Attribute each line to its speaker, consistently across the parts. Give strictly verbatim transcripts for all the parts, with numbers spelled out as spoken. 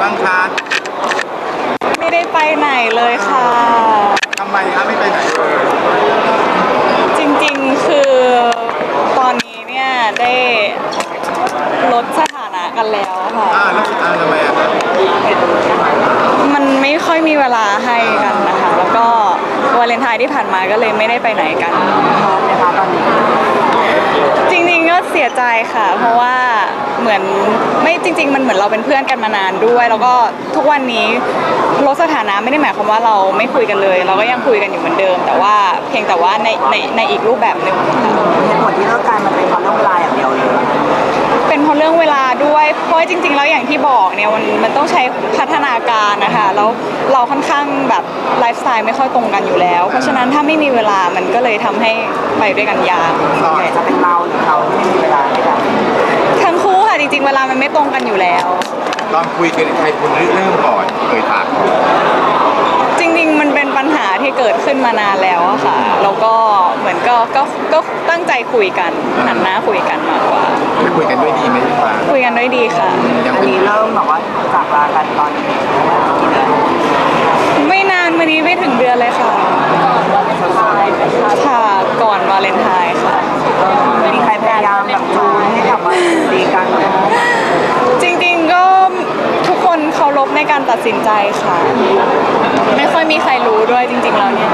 Speaker 1: บ้างคะ
Speaker 2: ไม่ได้ไปไหนเลยค่ะ
Speaker 1: ทำไมคะไม่ไปไหนเลย
Speaker 2: จริงๆคือตอนนี้เนี่ยได้ลดสถานะกันแล้วค่ะ
Speaker 1: อ่าแล้วอ่าทำไมอ่ะ
Speaker 2: มันไม่ค่อยมีเวลาให้กันนะคะแล้วก็วาเลนไทน์ที่ผ่านมาก็เลยไม่ได้ไปไหนกันนะคะตอนนี้จริงๆก็เสียใจค่ะเพราะว่าเหมือนไม่จริงๆมันเหมือนเราเป็นเพื่อนกันมานานด้วยแล้วก็ทุกวันนี้ลดสถานะไม่ได้หมายความว่าเราไม่คุยกันเลยเราก็ยังคุยกันอยู่เหมือนเดิมแต่ว่าเพียงแต่ว่าในในในอีกรูปแบบหนึ่ง
Speaker 3: เหตุผลที่เลิกกันมันเป็นเพราะเรื่องเวลาอย่างเดียวเลย
Speaker 2: เป็นเพราะเรื่องเวลาด้วยเพราะจริงๆแล้วอย่างที่บอกเนี่ยมันมันต้องใช้พัฒนาการนะคะแล้วเราค่อนข้างแบบไลฟ์สไตล์ไม่ค่อยตรงกันอยู่แล้วเพราะฉะนั้นถ้าไม่มีเวลามันก็เลยทำให้ไปด้วยกันยาก
Speaker 3: ส่วนใหญ่จะเป็นเราหรือเขาที่ไม่มีเวลาให้กัน
Speaker 2: ทั้งคู่ค่ะจริงๆเวลามันไม่ตรงกันอยู่แล้ว
Speaker 1: ตอนคุยกันใครคนเริ่มก่อนเคยถาม
Speaker 2: จริงๆมันเป็นปัญหาที่เกิดขึ้นมานานแล้วอะค่ะแล้วก็เหมือนก็ก็ก็ตั้งใจคุยกันหันหน้าคุยกันมากกว่า
Speaker 1: คุยกันด้วยดีไหมพี่ฟ้า
Speaker 2: คุยกันด้วยดีค่ะ
Speaker 3: อันนี้เริ่มแบบว่าจากลากันตอนกี่เดือน
Speaker 2: ไม่นานมานี้ไม่ถึงเดือนเลยค่ะค่ะก่อนวาเลนไทน์ค่ะ
Speaker 3: มีใครพยายามแบบจูนให้กลับมาดีกันไหม
Speaker 2: จริงๆก็ทุกคนเคารพในการตัดสินใจค่ะไม่ค่อยมีใครรู้ด้วยจริงๆแล้วเนี่ย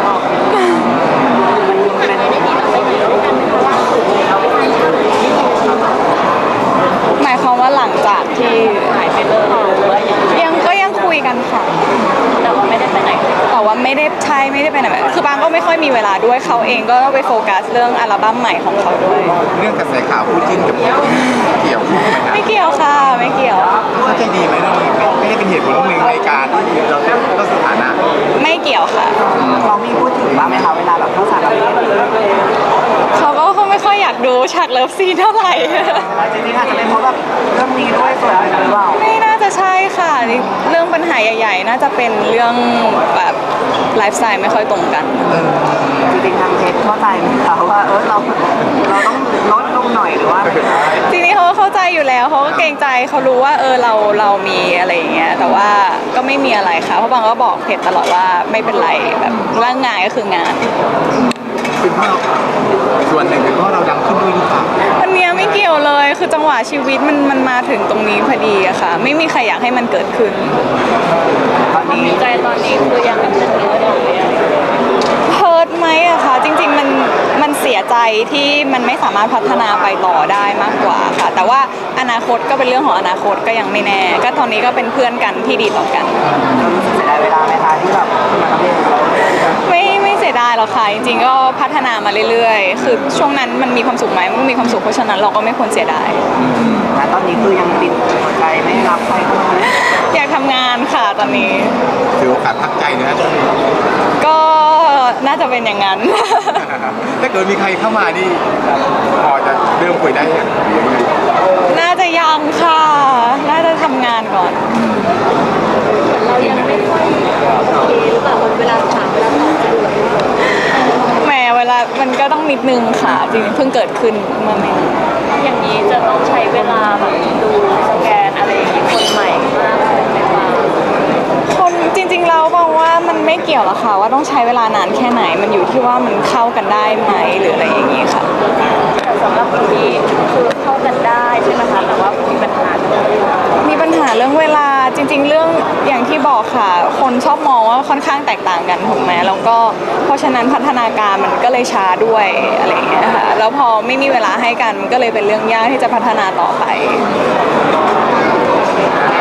Speaker 2: หมายความว่าหลังจากที่หายไปเลยยังก็ยังคุยกันค่ะแต่ว่าไม่ได้ไปไหนแต่ว่าไม่ได้ใช่ไม่ได้ไปไหนคือบางก็ไม่ค่อยมีเวลาด้วยเขาเองก็ไปโฟกัสเรื่องอัลบั้มใหม่ของเขาด้วย
Speaker 1: เรื่องกระแสข่าวคู่จิ้นกับเกี่ยวไหมครับ
Speaker 2: ไม่เกี่ยวค่ะไม่เกี่ยว
Speaker 1: เข้าใจดีไหมเราไม่ได้เป็นเหตุผลหนึ่งในการที่เราต้องสถานะ
Speaker 2: ไม่เกี่ยวค่ะ
Speaker 3: เขามีพูดถึงบ้างไหมคะเวลาแบบเข้าฉากอะไร
Speaker 2: เขาก็เขาไม่ค่อยอยากดูฉากเลิฟซีนเท่าไหร่
Speaker 3: จริงๆอาจจะเป็นเพราะแบบเรื่องนี้ด้วยส่วนหนึ่งหรือเปล่า
Speaker 2: ไม่น่าจะใช่ค่ะเรื่องปัญหาใหญ่ๆน่าจะเป็นเรื่องแบบไลฟ์สไตล์ไม่ค่อยตรงกัน
Speaker 3: จริงๆทางเทสเข้าใจไหมคะว่าเออเราเราต้องลดลงหน่อยหรือว่า
Speaker 2: จริงๆเขาเข้าใจอยู่แล้วเขาก็เกรงใจเขารู้ว่าเออเราเรามีอะไรอย่างเงี้ยแต่ว่าก็ไม่มีอะไรค่ะเพราะบางก็บอกเพจตลอดว่าไม่เป็นไรแบบเรื่องงานก็คืองาน
Speaker 1: เป็นเพราะส่วนหนึ่งเป็นเพราะเราดังขึ้นด้วยหรือเปล่า
Speaker 2: อันนี้ไม่เกี่ยวเลยคือจังหวะชีวิตมันมันมาถึงตรงนี้พอดีอะค่ะไม่มีใครอยากให้มันเกิดขึ้น
Speaker 3: ตอนนี้
Speaker 2: ใจตอนนี้คือยังเป็นเรื่องเดิมเลยเฮิร์ตไหมอะคะจริงๆมันมันเสียใจที่มันไม่สามารถพัฒนาไปต่อได้มากกว่าค่ะแต่ว่าอนาคตก็เป็นเรื่องของอนาคตก็ยังไม่แน่ก็ตอนนี้ก็เป็นเพื่อนกันที่ดีต่อกัน
Speaker 3: เรารู้สึกเสียดายเวลาไหมคะที่แบบมาทำเอง
Speaker 2: ไม่ไม่เสียดายหรอกค่ะจริงๆก็พัฒนามาเรื่อยๆคือช่วงนั้นมันมีความสุขไหมมันมีความสุขเพราะฉะนั้นเราก็ไม่ควรเสียดาย
Speaker 3: แต่ตอนนี้คือยังติดหัวใจไม่รับใครเข้ามา
Speaker 2: อยากทำงานค่ะตอนนี้
Speaker 1: ถือโอกาสพักใจนะ
Speaker 2: ก็น่าจะเป็นอย่างนั้น
Speaker 1: ถ้าเกิดมีใครเข้ามานี่พอจะเริ่มคุยได้ยัง
Speaker 2: น่าจะยังค่ะน่าจะทำงานก่อนเรายังไม่ค่อยโอเคหรือเปล่าเวลาถามเวลาตอบจะดูแบบแหมเวลามันก็ต้องนิดนึงค่ะจริงเพิ่งเกิดขึ้นเมื่อไม่อย่างนี้จะต้องใช้เวลาแบบดูสแกนอะไรอย่างนี้คนใหม่มากเลยไหมคะคนจริงๆเราบอกว่ามันไม่เกี่ยวหรอกค่ะว่าต้องใช้เวลานานแค่ไหนมันอยู่ที่ว่ามันเข้ากันได้ไหมหรืออะไรอย่างนี้ค่ะสำหรับคนที่คือเข้ากันได้ใช่ไหมคะแต่ว่ามีปัญหามีปัญหาเรื่องเวลาจริงๆเรื่องอย่างที่บอกค่ะคนชอบมองว่าค่อนข้างแตกต่างกันถูกไหมแล้วก็เพราะฉะนั้นพัฒนาการมันก็เลยช้าด้วยอะไรอย่างเงี้ยค่ะแล้วพอไม่มีเวลาให้กันมันก็เลยเป็นเรื่องยากที่จะพัฒนาต่อไป